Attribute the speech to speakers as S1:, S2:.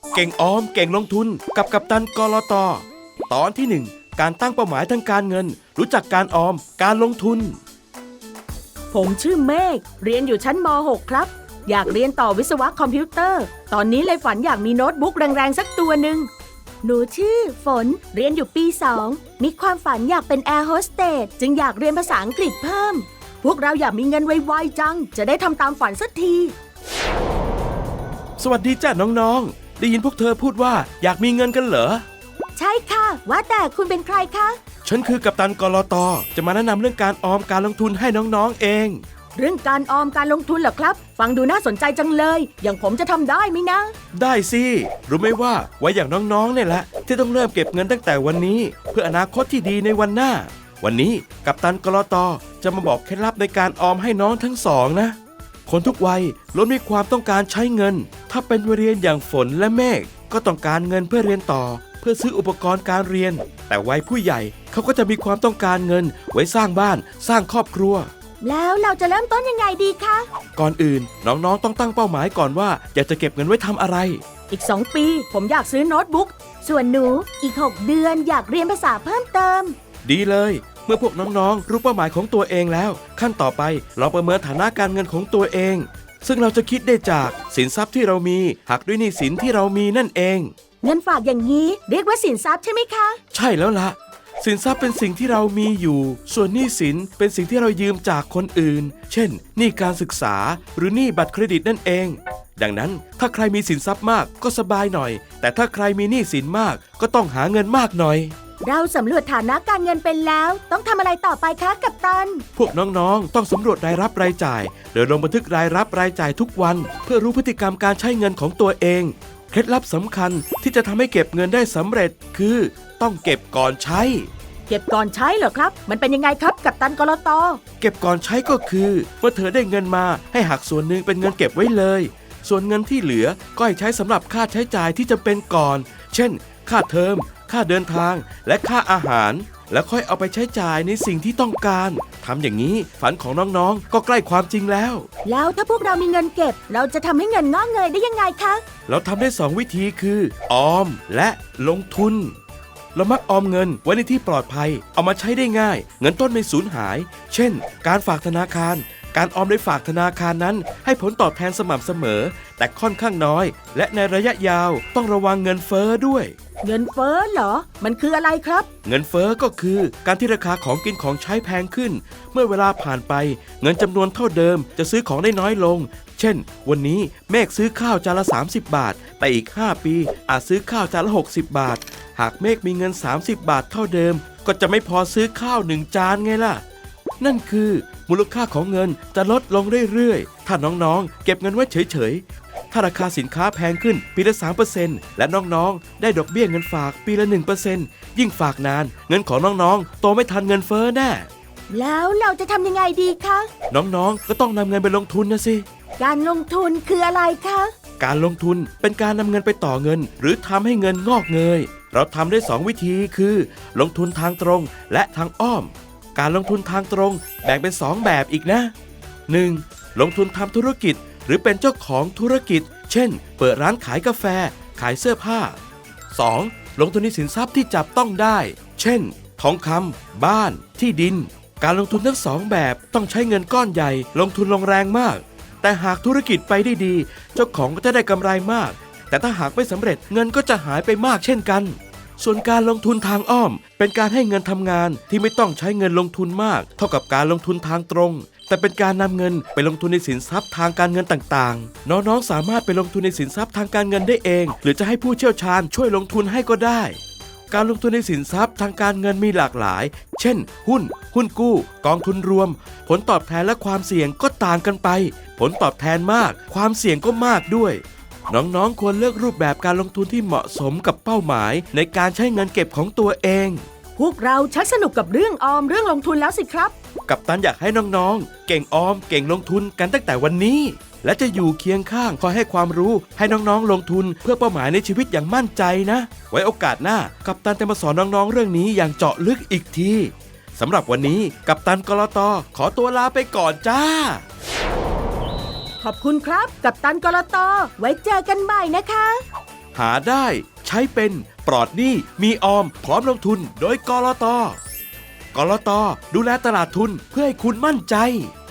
S1: เก่งออมเก่งลงทุนกับกัปตันกลต.ตอนที่ 1 การตั้งเป้าหมายทางการเงินรู้จักการออมการลงทุน
S2: ผมชื่อเมฆเรียนอยู่ชั้นม .6 ครับอยากเรียนต่อวิศวะคอมพิวเตอร์ตอนนี้เลยฝันอยากมีโน้ตบุ๊กแรงๆสักตัวหนึ่งหนูชื่อฝนเรียนอยู่ปี 2มีความฝันอยากเป็นแอร์โฮสเตสจึงอยากเรียนภาษาอังกฤษเพิ่มพวกเราอยากมีเงินไวๆจังจะได้ทำตามฝันสักที
S1: สวัสดีจ้ะน้องๆได้ยินพวกเธอพูดว่าอยากมีเงินกันเหรอ
S2: ใช่ค่ะว่าแต่คุณเป็นใครคะ
S1: ฉันคือกัปตันกลต.จะมาแนะนำเรื่องการออมการลงทุนให้น้องๆเอง
S2: เรื่องการออมการลงทุนเหรอครับฟังดูน่าสนใจจังเลยอย่างผมจะทำได้ไหมนะ
S1: ได้สิรู้ไหมว่าไว้อย่างน้องๆเนี่ยแหละที่ต้องเริ่มเก็บเงินตั้งแต่วันนี้เพื่ออนาคตที่ดีในวันหน้าวันนี้กัปตันกลต.จะมาบอกเคล็ดลับในการออมให้น้องทั้งสองนะคนทุกวัยล้วนมีความต้องการใช้เงินถ้าเป็นวัยเรียนอย่างฝนและเมฆก็ต้องการเงินเพื่อเรียนต่อเพื่อซื้ออุปกรณ์การเรียนแต่วัยผู้ใหญ่เขาก็จะมีความต้องการเงินไว้สร้างบ้านสร้างครอบครัว
S2: แล้วเราจะเริ่มต้นยังไงดีคะ
S1: ก่อนอื่นน้องๆต้องตั้งเป้าหมายก่อนว่าอยากจะเก็บเงินไว้ทำอะไร
S2: อีก2 ปีผมอยากซื้อโน้ตบุ๊กส่วนหนูอีก6 เดือนอยากเรียนภาษาเพิ่มเติม
S1: ดีเลยเมื่อพวกน้องๆรู้เป้าหมายของตัวเองแล้วขั้นต่อไปเราประเมินฐานะการเงินของตัวเองซึ่งเราจะคิดได้จากสินทรัพย์ที่เรามีหักด้วยหนี้สินที่เรามีนั่นเอง
S2: เงินฝากอย่างนี้เรียกว่าสินทรัพย์ใช่ไหมคะ
S1: ใช่แล้วล่ะสินทรัพย์เป็นสิ่งที่เรามีอยู่ส่วนหนี้สินเป็นสิ่งที่เรายืมจากคนอื่นเช่นหนี้การศึกษาหรือหนี้บัตรเครดิตนั่นเองดังนั้นถ้าใครมีสินทรัพย์มากก็สบายหน่อยแต่ถ้าใครมีหนี้สินมากก็ต้องหาเงินมากหน่อย
S2: เราสำรวจฐานะการเงินเป็นแล้วต้องทำอะไรต่อไปคะกัปตัน
S1: พวกน้องๆต้องสำรวจรายรับรายจ่ายโดยลงบันทึกรายรับรายจ่ายทุกวันเพื่อรู้พฤติกรรมการใช้เงินของตัวเองเคล็ดลับสำคัญที่จะทำให้เก็บเงินได้สำเร็จคือต้องเก็บก่อนใช้
S2: เก็บก่อนใช้เหรอครับมันเป็นยังไงครับกัปตันกลต.
S1: เก็บก่อนใช้ก็คือเมื่อเธอได้เงินมาให้หักส่วนหนึ่งเป็นเงินเก็บไว้เลยส่วนเงินที่เหลือก็ให้ใช้สำหรับค่าใช้จ่ายที่จำเป็นก่อนเช่นค่าเทอมค่าเดินทางและค่าอาหารแล้วค่อยเอาไปใช้จ่ายในสิ่งที่ต้องการทำอย่างนี้ฝันของน้องๆก็ใกล้ความจริงแล้ว
S2: ถ้าพวกเรามีเงินเก็บเราจะทำให้เงินงอกเงยได้ยังไงคะ
S1: เราทำได้2 วิธีคือออมและลงทุนเรามักออมเงินไว้ในที่ปลอดภัยเอามาใช้ได้ง่ายเงินต้นไม่สูญหายเช่นการฝากธนาคารการออมในฝากธนาคารนั้นให้ผลตอบแทนสม่ำเสมอแต่ค่อนข้างน้อยและในระยะยาวต้องระวังเงินเฟ้อด้วย
S2: เงินเฟ้อเหรอมันคืออะไรครับ
S1: เงินเฟ้อก็คือการที่ราคาของกินของใช้แพงขึ้นเมื่อเวลาผ่านไปเงินจำนวนเท่าเดิมจะซื้อของได้น้อยลงเช่นวันนี้เมฆซื้อข้าวจานละ30 บาทแต่อีก5 ปีอาจซื้อข้าวจานละ60 บาทหากเมฆมีเงิน30 บาทเท่าเดิมก็จะไม่พอซื้อข้าว1 จานไงล่ะนั่นคือมูลค่าของเงินจะลดลงเรื่อยๆถ้าน้องๆเก็บเงินไว้เฉยๆถ้าราคาสินค้าแพงขึ้นปีละ 3% และน้องๆได้ดอกเบี้ยเงินฝากปีละ 1% ยิ่งฝากนานเงินของน้องๆโตไม่ทันเงินเฟ้อแน่
S2: แล้วเราจะทำยังไงดีคะ
S1: น้องๆก็ต้องนำเงินไปลงทุนนะสิ
S2: การลงทุนคืออะไรคะ
S1: การลงทุนเป็นการนำเงินไปต่อเงินหรือทำให้เงินงอกเงยเราทำได้2 วิธีคือลงทุนทางตรงและทางอ้อมการลงทุนทางตรงแบ่งเป็น2 แบบอีกนะ 1. ลงทุนทำธุรกิจหรือเป็นเจ้าของธุรกิจเช่นเปิดร้านขายกาแฟขายเสื้อผ้า 2. ลงทุนในสินทรัพย์ที่จับต้องได้เช่นทองคำบ้านที่ดินการลงทุนทั้ง2 แบบต้องใช้เงินก้อนใหญ่ลงทุนลงแรงมากแต่หากธุรกิจไปได้ดีเจ้าของก็จะได้กำไรมากแต่ถ้าหากไม่สำเร็จเงินก็จะหายไปมากเช่นกันส่วนการลงทุนทางอ้อมเป็นการให้เงินทำงานที่ไม่ต้องใช้เงินลงทุนมากเท่ากับการลงทุนทางตรงแต่เป็นการนำเงินไปลงทุนในสินทรัพย์ทางการเงินต่างๆน้องๆสามารถไปลงทุนในสินทรัพย์ทางการเงินได้เองหรือจะให้ผู้เชี่ยวชาญช่วยลงทุนให้ก็ได้การลงทุนในสินทรัพย์ทางการเงินมีหลากหลายเช่นหุ้นกู้กองทุนรวมผลตอบแทนและความเสี่ยงก็ต่างกันไปผลตอบแทนมากความเสี่ยงก็มากด้วยน้องๆควรเลือกรูปแบบการลงทุนที่เหมาะสมกับเป้าหมายในการใช้เงินเก็บของตัวเอง
S2: พวกเราชักสนุกกับเรื่องออมเรื่องลงทุนแล้วสิครับ
S1: กัปตันอยากให้น้องๆเก่งออมเก่งลงทุนกันตั้งแต่วันนี้และจะอยู่เคียงข้างคอยให้ความรู้ให้น้องๆลงทุนเพื่อเป้าหมายในชีวิตอย่างมั่นใจนะไว้โอกาสหน้ากัปตันจะมาสอนน้องๆเรื่องนี้อย่างเจาะลึกอีกทีสำหรับวันนี้กัปตันกลต.ขอตัวลาไปก่อนจ้า
S2: ขอบคุณครับกัปตันกลต.ไว้เจอกันใหม่นะคะ
S1: หาได้ใช้เป็นปลอดหนี้มีออมพร้อมลงทุนโดยกลต.กลต.ดูแลตลาดทุนเพื่อให้คุณมั่นใจ